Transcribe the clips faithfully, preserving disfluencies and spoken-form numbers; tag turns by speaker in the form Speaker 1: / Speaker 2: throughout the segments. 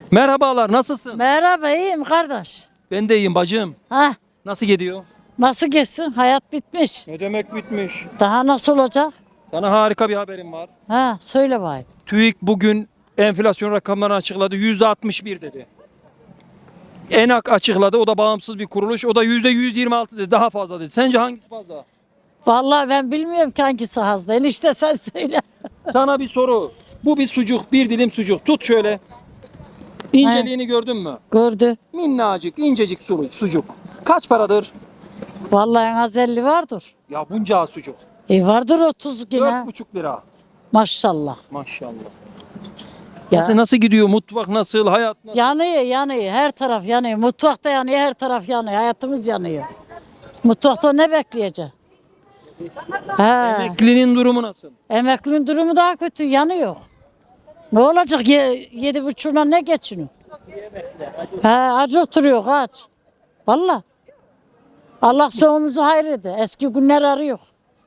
Speaker 1: Merhabalar, nasılsın?
Speaker 2: Merhaba, iyiyim kardeş.
Speaker 1: Ben de iyiyim bacım.
Speaker 2: Ha,
Speaker 1: Nasıl gidiyor?
Speaker 2: nasıl geçsin? Hayat bitmiş.
Speaker 1: Ne demek bitmiş?
Speaker 2: Daha nasıl olacak?
Speaker 1: Sana harika bir haberim var.
Speaker 2: Ha, söyle bakayım.
Speaker 1: TÜİK bugün enflasyon rakamlarını açıkladı. yüzde altmış bir dedi. ENAK açıkladı. O da bağımsız bir kuruluş. O da yüzde yüz yirmi altı dedi. Daha fazla dedi. Sence hangisi fazla?
Speaker 2: Vallahi ben bilmiyorum ki hangisi hasta. Enişte sen söyle.
Speaker 1: Sana bir soru. Bu bir sucuk, bir dilim sucuk. Tut şöyle. İnceliğini gördün mü?
Speaker 2: Gördü.
Speaker 1: Minnacık, incecik sucuk. sucuk. Kaç paradır?
Speaker 2: Vallahi en az elli vardır.
Speaker 1: Ya bunca sucuk.
Speaker 2: E vardır otuz yine.
Speaker 1: Dört buçuk lira.
Speaker 2: Maşallah.
Speaker 1: Maşallah.
Speaker 2: Ya.
Speaker 1: Nasıl, nasıl gidiyor? Mutfak nasıl? Hayat nasıl?
Speaker 2: Yanıyor, yanıyor. Her taraf yanıyor. Mutfakta yanıyor, her taraf yanıyor. Hayatımız yanıyor. Mutfakta ne bekleyecek? Ha.
Speaker 1: Emeklinin durumu nasıl?
Speaker 2: Emeklinin durumu daha kötü, yanıyor. Ne olacak? Ye, yedi buçuğuna ne geçiniyor? He, aç oturuyor, aç. Vallahi. Allah sonumuzu hayır Eski günler arıyor.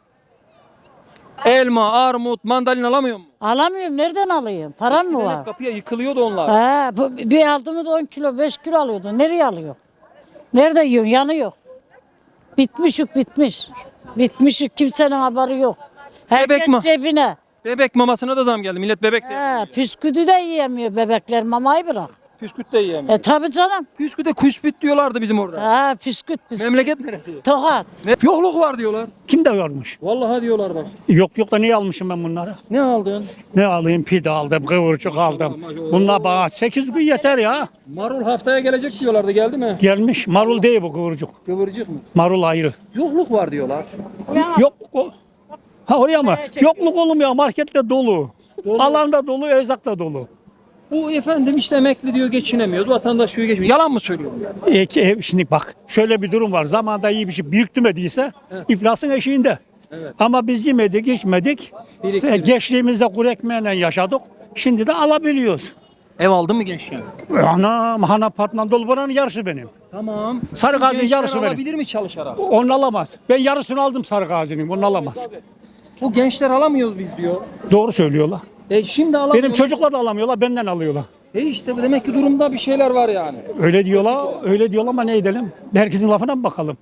Speaker 1: Elma, armut, mandalina alamıyor mu?
Speaker 2: Alamıyorum, nereden alayım? Param mı
Speaker 1: Eskiden
Speaker 2: var?
Speaker 1: hep kapıya yıkılıyordu onlar.
Speaker 2: He, bu- bir aldığımı da on kilo, beş kilo alıyordu. Nereye alıyor? Nerede yiyorsun? Yanıyor. Bitmişik, bitmiş. Bitmişik, kimsenin haberi yok.
Speaker 1: Bebek
Speaker 2: Herkes
Speaker 1: mi?
Speaker 2: cebine.
Speaker 1: Bebek mamasına da zam geldi. Millet bebek de
Speaker 2: He,
Speaker 1: yemiyor.
Speaker 2: püsküdü de yiyemiyor bebekler, mamayı bırak.
Speaker 1: Püsküt de yiyemiyor.
Speaker 2: E tabi canım.
Speaker 1: Püsküte kuşbit diyorlardı bizim orada.
Speaker 2: Ha, püsküt, püsküt.
Speaker 1: Memleket neresi?
Speaker 2: Tokat.
Speaker 1: Ne? Yokluk var diyorlar.
Speaker 3: Kim de görmüş?
Speaker 1: Vallahi diyorlar bak.
Speaker 3: Yok yok da niye almışım ben bunları?
Speaker 1: Ne aldın?
Speaker 3: Ne alayım? Pide aldım, kıvırcık aldım.
Speaker 1: maşallah.
Speaker 3: Bunlar bana sekiz gün yeter ya.
Speaker 1: Marul haftaya gelecek diyorlardı. Geldi mi?
Speaker 3: Gelmiş. Marul değil bu kıvırcık.
Speaker 1: Kıvırcık mı?
Speaker 3: Marul ayrı.
Speaker 1: Yokluk var diyorlar.
Speaker 3: Yok. O, ha oraya mı? Yokluk olmuyor. Markette dolu.
Speaker 1: Dolu.
Speaker 3: Alanda dolu, erzak da dolu.
Speaker 1: Bu efendim işte emekli diyor geçinemiyordu. Vatandaş diyor geçmiyor. Yalan mı söylüyor?
Speaker 3: E, ki, e, şimdi bak şöyle bir durum var. Zamanında iyi bir şey biriktirmediyse iflasın eşiğinde.
Speaker 1: Evet.
Speaker 3: Ama biz yemedik, içmedik.
Speaker 1: Biriktirdik.
Speaker 3: Geçtiğimizde kuru ekmeğiyle yaşadık. Şimdi de alabiliyoruz.
Speaker 1: Ev aldın mı gençken?
Speaker 3: Anam, han apartman dolu buranın yarısı benim.
Speaker 1: Tamam.
Speaker 3: Sarı gazın
Speaker 1: Gençler
Speaker 3: yarısı benim.
Speaker 1: alabilir mi çalışarak?
Speaker 3: Onu alamaz. Ben yarısını aldım sarı gazinin, onu alamaz.
Speaker 1: Bu gençler alamıyoruz biz diyor.
Speaker 3: Doğru söylüyorlar.
Speaker 1: E şimdi alamıyoruz.
Speaker 3: Benim çocuklar da alamıyorlar, benden alıyorlar.
Speaker 1: E işte bu demek ki durumda bir şeyler var yani.
Speaker 3: Öyle diyorlar, öyle diyorlar ama ne edelim? Herkesin lafına mı bakalım?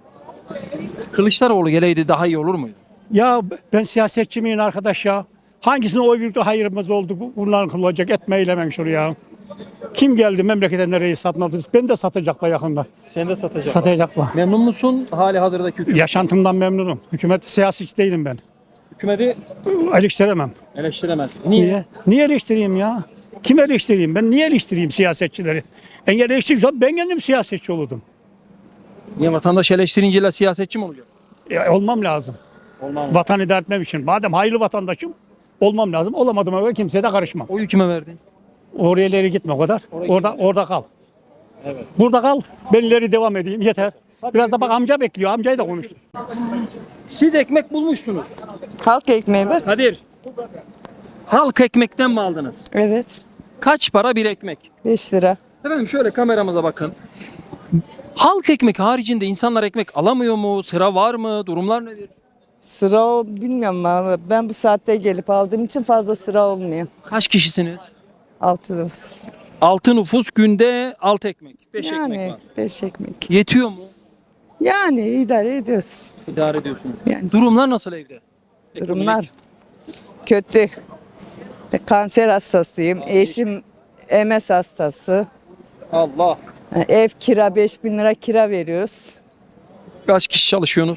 Speaker 1: Kılıçdaroğlu geleydi daha iyi olur muydu?
Speaker 3: Ya ben siyasetçi miyim arkadaş ya? Hangisine oy verdi hayırımız oldu? Bunların kılacak etme eylemen şuraya. Kim geldi memlekete nereyi satmadı? Ben de satacaklar yakında.
Speaker 1: Sen de satacak.
Speaker 3: Satacaklar.
Speaker 1: Memnun musun hali hazırdaki hükümet?
Speaker 3: Yaşantımdan memnunum. Hükümet siyasetçi değilim ben.
Speaker 1: Hükümeti
Speaker 3: Eleştiremem.
Speaker 1: eleştiremez. Niye?
Speaker 3: Niye? Niye eleştireyim ya? Kim eleştireyim? Ben niye eleştireyim siyasetçileri? Engel eleştireceğim. Ben kendim siyasetçi olurdum.
Speaker 1: Niye vatandaş eleştirince siyasetçi mi oluyor?
Speaker 3: E, olmam lazım.
Speaker 1: Olmaz.
Speaker 3: Vatan idare etmem için. Madem hayırlı vatandaşım olmam lazım. Olamadım ama kimseye de karışmam.
Speaker 1: Oyu kime verdin?
Speaker 3: Oraya ileri gitme o kadar.
Speaker 1: Oraya
Speaker 3: orada
Speaker 1: gitme.
Speaker 3: orada kal.
Speaker 1: Evet.
Speaker 3: Burada kal. Ben ileri devam edeyim. Yeter. Biraz da bak amca bekliyor. Amcayı da konuştum.
Speaker 1: Siz ekmek bulmuşsunuz.
Speaker 4: Halk ekmeği bak.
Speaker 1: Kadir. Halk ekmekten mi aldınız?
Speaker 4: Evet.
Speaker 1: Kaç para bir ekmek?
Speaker 4: beş lira.
Speaker 1: Efendim şöyle kameramıza bakın. Halk ekmek haricinde insanlar ekmek alamıyor mu? Sıra var mı? Durumlar nedir?
Speaker 4: Sıra o bilmiyorum ama ben bu saatte gelip aldığım için fazla sıra olmuyor.
Speaker 1: Kaç kişisiniz?
Speaker 4: Altı
Speaker 1: altı nüfus günde altı ekmek. beş ekmek
Speaker 4: Yani
Speaker 1: var.
Speaker 4: beş ekmek.
Speaker 1: Yetiyor mu?
Speaker 4: Yani idare ediyoruz.
Speaker 1: İdare ediyorsunuz.
Speaker 4: Yani
Speaker 1: Durumlar nasıl evde?
Speaker 4: durumlar kötü. Kanser hastasıyım. Eşim M S hastası.
Speaker 1: Allah.
Speaker 4: Ev kira beş bin lira kira veriyoruz.
Speaker 1: Kaç kişi çalışıyorsunuz?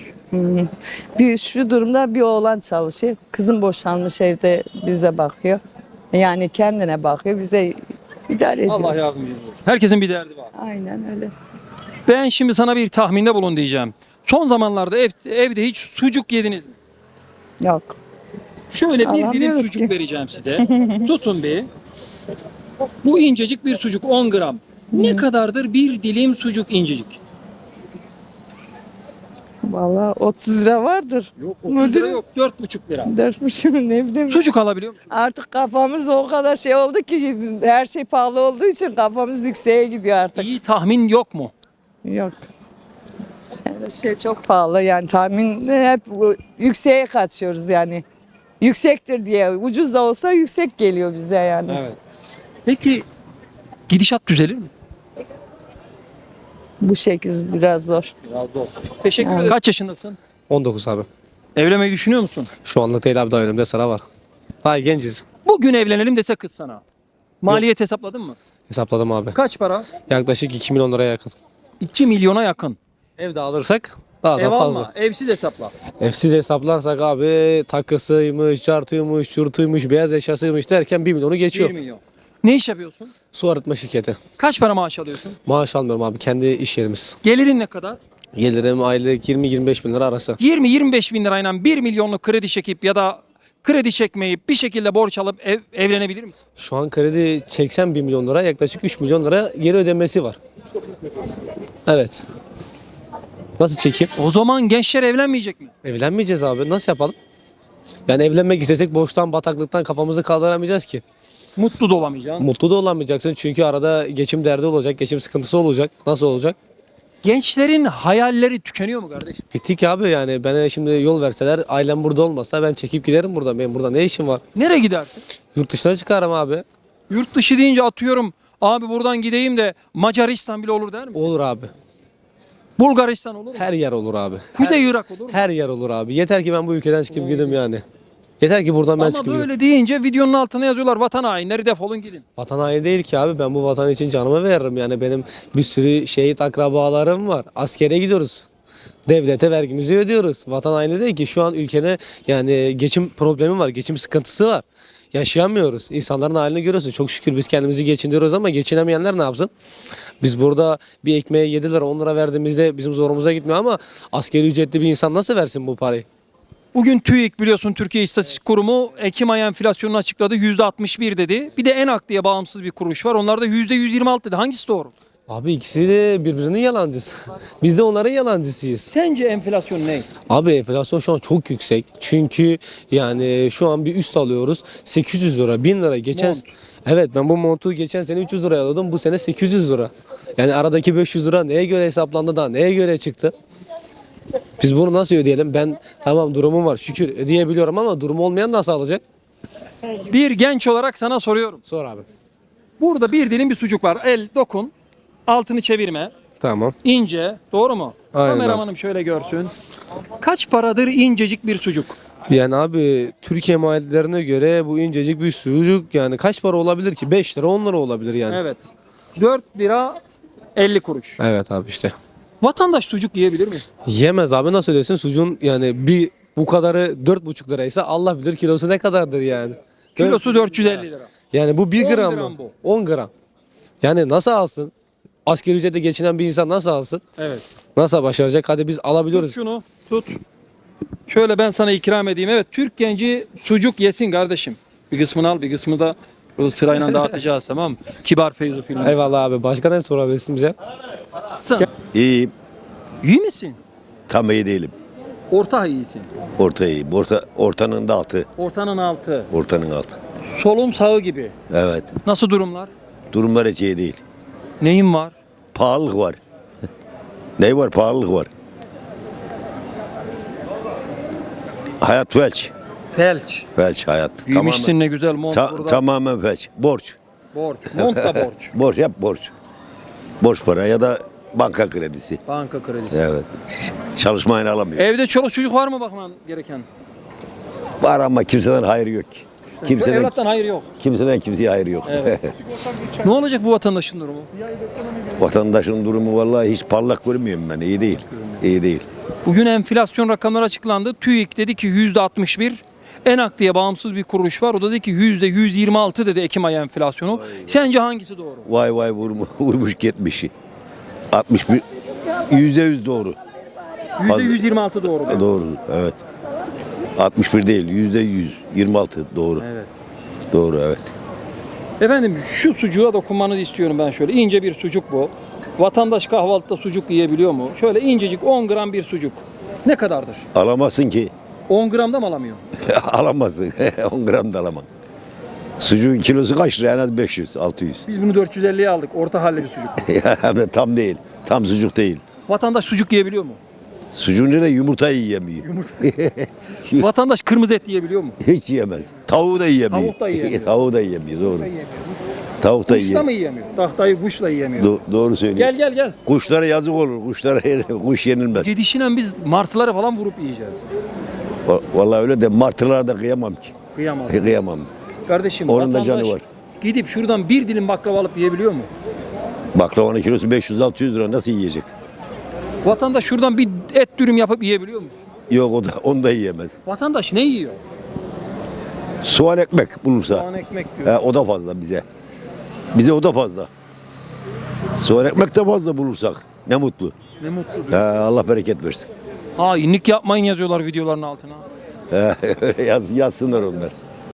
Speaker 4: Bir şu durumda bir oğlan çalışıyor. Kızım boşanmış evde bize bakıyor. Yani kendine bakıyor. Bize idare ediyoruz.
Speaker 1: Allah yardımcınız olsun. Herkesin bir derdi var.
Speaker 4: Aynen öyle.
Speaker 1: Ben şimdi sana bir tahminde bulun diyeceğim. Son zamanlarda ev, evde hiç sucuk yediniz mi?
Speaker 4: Yok.
Speaker 1: Şöyle bir dilim
Speaker 4: Alamıyoruz
Speaker 1: sucuk
Speaker 4: ki.
Speaker 1: vereceğim size. Tutun bir. Bu incecik bir sucuk on gram. Ne kadardır bir dilim sucuk incecik?
Speaker 4: Vallahi otuz lira vardır.
Speaker 1: Yok otuz
Speaker 4: Müdür-
Speaker 1: lira yok dört buçuk lira.
Speaker 4: Dört buçuk ne bileyim.
Speaker 1: Sucuk alabiliyor musun?
Speaker 4: Artık kafamız o kadar şey oldu ki her şey pahalı olduğu için kafamız yükseğe gidiyor artık.
Speaker 1: İyi tahmin yok mu?
Speaker 4: Yok. Her şey çok pahalı yani tahmin hep yükseğe kaçıyoruz yani. Yüksektir diye ucuz da olsa yüksek geliyor bize yani.
Speaker 1: Evet. Peki Gidişat düzelir mi?
Speaker 4: Bu şekil biraz zor.
Speaker 1: Teşekkür ederim. Kaç yaşındasın?
Speaker 5: on dokuz abi.
Speaker 1: Evlenmeyi düşünüyor musun?
Speaker 5: Şu anlık değil abi, daha önümde sıra var. Daha genciz.
Speaker 1: Bugün evlenelim dese kız sana. Maliyet hesapladın mı?
Speaker 5: Hesapladım abi.
Speaker 1: Kaç para?
Speaker 5: Yaklaşık iki milyon liraya yakın.
Speaker 1: iki milyona yakın.
Speaker 5: Ev de alırsak daha
Speaker 1: Ev
Speaker 5: da fazla.
Speaker 1: alma, evsiz hesapla.
Speaker 5: Evsiz hesaplarsak abi takısıymış, çartıymış, çurtuymuş, beyaz eşyasıymış derken bir milyonu geçiyor.
Speaker 1: bir milyon. Ne iş yapıyorsun?
Speaker 5: Su arıtma şirketi.
Speaker 1: Kaç para maaş alıyorsun?
Speaker 5: Maaş almıyorum abi, kendi iş yerimiz.
Speaker 1: Gelirin ne kadar?
Speaker 5: Gelirim aylık yirmi yirmi beş bin lira arası.
Speaker 1: yirmi yirmi beş bin lirayla bir milyonluk kredi çekip ya da kredi çekmeyip bir şekilde borç alıp ev, evlenebilir misin?
Speaker 5: Şu an kredi çeksen bir milyon lira, yaklaşık üç milyon lira geri ödemesi var. Evet. Nasıl çekeyim?
Speaker 1: O zaman gençler evlenmeyecek mi?
Speaker 5: Evlenmeyeceğiz abi. Nasıl yapalım? Yani evlenmek istesek borçtan, bataklıktan kafamızı kaldıramayacağız ki.
Speaker 1: Mutlu da olamayacaksın.
Speaker 5: Mutlu da olamayacaksın çünkü arada geçim derdi olacak, geçim sıkıntısı olacak. Nasıl olacak?
Speaker 1: Gençlerin hayalleri tükeniyor mu kardeşim?
Speaker 5: Bittik abi, yani bana şimdi yol verseler, ailem burada olmasa ben çekip giderim buradan. Benim burada ne işim var?
Speaker 1: Nereye gidersin?
Speaker 5: Yurt dışına çıkarım abi.
Speaker 1: Yurt dışı deyince atıyorum abi buradan gideyim de Macaristan bile olur der misin?
Speaker 5: Olur abi.
Speaker 1: Bulgaristan olur mu?
Speaker 5: Her yer olur abi.
Speaker 1: Kuzey
Speaker 5: her,
Speaker 1: Irak olur mu?
Speaker 5: her yer olur abi. Yeter ki ben bu ülkeden çıkıp gideyim yani. Yeter ki buradan ben
Speaker 1: Ama
Speaker 5: çıkıp
Speaker 1: böyle
Speaker 5: gideyim.
Speaker 1: deyince videonun altına yazıyorlar vatan hainleri defolun gidin.
Speaker 5: Vatan haini değil ki abi. Ben bu vatan için canımı veririm. Yani benim bir sürü şehit akrabalarım var. Askere gidiyoruz. Devlete vergimizi ödüyoruz. Vatan haini değil ki. Şu an ülkede yani geçim problemi var. Geçim sıkıntısı var. Yaşayamıyoruz. İnsanların halini görüyorsun. Çok şükür biz kendimizi geçindiriyoruz ama geçinemeyenler ne yapsın? Biz burada bir ekmeğe yedi lira on lira verdiğimizde bizim zorumuza gitmiyor ama askeri ücretli bir insan nasıl versin bu parayı?
Speaker 1: Bugün TÜİK biliyorsun Türkiye İstatistik Kurumu Ekim ayı enflasyonunu açıkladı. yüzde altmış bir dedi. Bir de ENAK diye bağımsız bir kuruş var. Onlar da yüzde yüz yirmi altı dedi. Hangisi doğru?
Speaker 5: Abi ikisi de birbirinin yalancısı. Biz de onların yalancısıyız.
Speaker 1: Sence enflasyon ne?
Speaker 5: Abi enflasyon şu an çok yüksek. Çünkü yani şu an bir üst alıyoruz. sekiz yüz lira, bin lira. Geçen
Speaker 1: Mont.
Speaker 5: Evet, ben bu montu geçen sene üç yüz liraya alıyordum. Bu sene sekiz yüz lira. Yani aradaki beş yüz lira neye göre hesaplandı da neye göre çıktı? Biz bunu nasıl ödeyelim? Ben tamam durumum var şükür ödeyebiliyorum ama durumu olmayan nasıl alacak?
Speaker 1: Bir genç olarak sana soruyorum.
Speaker 5: Sor abi.
Speaker 1: Burada bir dilim bir sucuk var. El dokun. Altını çevirme.
Speaker 5: Tamam.
Speaker 1: İnce. Doğru mu?
Speaker 5: Aynen.
Speaker 1: Kameramanım şöyle görsün. Kaç paradır incecik bir sucuk?
Speaker 5: Yani abi Türkiye maliyetlerine göre bu incecik bir sucuk yani kaç para olabilir ki? beş lira on lira olabilir yani.
Speaker 1: Evet. dört lira elli kuruş.
Speaker 5: Evet abi işte.
Speaker 1: Vatandaş sucuk yiyebilir mi?
Speaker 5: Yemez abi, nasıl ödesin sucuğun yani bir bu kadarı dört buçuk liraysa Allah bilir kilosu ne kadardır yani.
Speaker 1: Kilosu dört yüz elli lira.
Speaker 5: Yani bu bir
Speaker 1: on
Speaker 5: gram,
Speaker 1: gram
Speaker 5: mı?
Speaker 1: bu.
Speaker 5: on gram. Yani nasıl alsın? Asgari ücretle geçinen bir insan nasıl alsın?
Speaker 1: Evet.
Speaker 5: Nasıl başaracak? Hadi biz
Speaker 1: Tut
Speaker 5: alabiliyoruz.
Speaker 1: şunu. Tut. Şöyle ben sana ikram edeyim. Evet, Türk genci sucuk yesin kardeşim. Bir kısmını al, bir kısmını da bu sırayla dağıtacağız, tamam mı? Kibar Feyzo filmi.
Speaker 5: Eyvallah abi. Başka ne sorabilirsin bize?
Speaker 1: Sen
Speaker 6: İyiyim.
Speaker 1: iyi misin?
Speaker 6: Tam iyi değilim.
Speaker 1: Orta iyisin.
Speaker 6: Orta iyiyim. Orta, ortanın da altı.
Speaker 1: Ortanın altı.
Speaker 6: Ortanın altı.
Speaker 1: Solum sağı gibi.
Speaker 6: Evet.
Speaker 1: Nasıl durumlar?
Speaker 6: Durumlar hiç iyi değil.
Speaker 1: Neyin var?
Speaker 6: Pahalılık var. Ne var? Pahalılık var. Hayat felç.
Speaker 1: Felç.
Speaker 6: Felç hayat.
Speaker 1: Giymişsin ne güzel mont
Speaker 6: Ta-
Speaker 1: burada.
Speaker 6: tamamen felç. Borç.
Speaker 1: Borç. Mont da borç.
Speaker 6: Borç yap borç. Borç para ya da banka kredisi.
Speaker 1: Banka kredisi.
Speaker 6: Evet. Çalışmayın alamıyor.
Speaker 1: Evde çoluk çocuk var mı bakman gereken?
Speaker 6: Var ama kimseden hayır yok. Kimseden,
Speaker 1: Evlattan hayır yok.
Speaker 6: kimseden kimseye hayır yok.
Speaker 1: Evet. Ne olacak bu vatandaşın durumu?
Speaker 6: Vatandaşın durumu vallahi hiç parlak görmüyorum ben. İyi değil. İyi değil.
Speaker 1: Bugün enflasyon rakamları açıklandı. TÜİK dedi ki yüzde altmış bir. ENAK diye bağımsız bir kuruş var. O da dedi ki yüzde yüz yirmi altı dedi Ekim ayı enflasyonu. Sence hangisi doğru?
Speaker 6: Vay vay vurmuş, vurmuş gitmişi. altmış bir yüzde yüz doğru.
Speaker 1: yüzde yüz yirmi altı doğru.
Speaker 6: Doğru evet. altmış bir değil yüzde yüz yirmi altı doğru.
Speaker 1: Evet.
Speaker 6: Doğru evet.
Speaker 1: Efendim şu sucuğa dokunmanızı istiyorum ben şöyle. İnce bir sucuk bu. Vatandaş kahvaltıda sucuk yiyebiliyor mu? Şöyle incecik on gram bir sucuk. Ne kadardır?
Speaker 6: Alamazsın ki.
Speaker 1: on gramda mı alamıyor?
Speaker 6: Alamazsın. on gram da alamam. Sucuğun kilosu kaç lira? En az beş yüz altı yüz.
Speaker 1: Biz bunu dört yüz elliye aldık. Orta halli bir sucuk.
Speaker 6: Hem de tam değil. Tam sucuk değil.
Speaker 1: Vatandaş sucuk yiyebiliyor mu?
Speaker 6: Sucuğun ne yumurta yiyemiyor.
Speaker 1: Vatandaş kırmızı et yiyebiliyor mu?
Speaker 6: Hiç yiyemez. Tavuğu da yiyemiyor.
Speaker 1: Tavuk da yiyemiyor.
Speaker 6: Tavuğu da yiyemiyor doğru. Tavuk da
Speaker 1: Kuş da
Speaker 6: yiyor.
Speaker 1: mı yiyemiyor? Tahtayı kuşla yiyemiyor.
Speaker 6: Do- doğru söylüyor.
Speaker 1: Gel gel gel.
Speaker 6: Kuşlara yazık olur. Kuşlara kuş yenilmez.
Speaker 1: Gidişinen biz martıları falan vurup yiyeceğiz.
Speaker 6: Va- Vallahi öyle de martılara da kıyamam ki.
Speaker 1: Kıyamaz.
Speaker 6: Kıyamam.
Speaker 1: Kardeşim
Speaker 6: Onun da
Speaker 1: vatandaş
Speaker 6: canı var.
Speaker 1: gidip şuradan bir dilim baklava alıp yiyebiliyor mu?
Speaker 6: Baklavanın kilosu beş yüz altı yüz lira nasıl yiyecek?
Speaker 1: Vatandaş şuradan bir et dürüm yapıp yiyebiliyor mu?
Speaker 6: Yok o da onu da yiyemez.
Speaker 1: Vatandaş ne yiyor?
Speaker 6: Soğan ekmek bulursa.
Speaker 1: Soğan ekmek diyor.
Speaker 6: He, o da fazla bize. Bize o da fazla. Soğan ekmek de fazla bulursak ne mutlu.
Speaker 1: Ne mutlu.
Speaker 6: He, Allah bereket versin.
Speaker 1: Hainlik yapmayın yazıyorlar videoların altına.
Speaker 6: He, Yaz, yazsınlar onlar.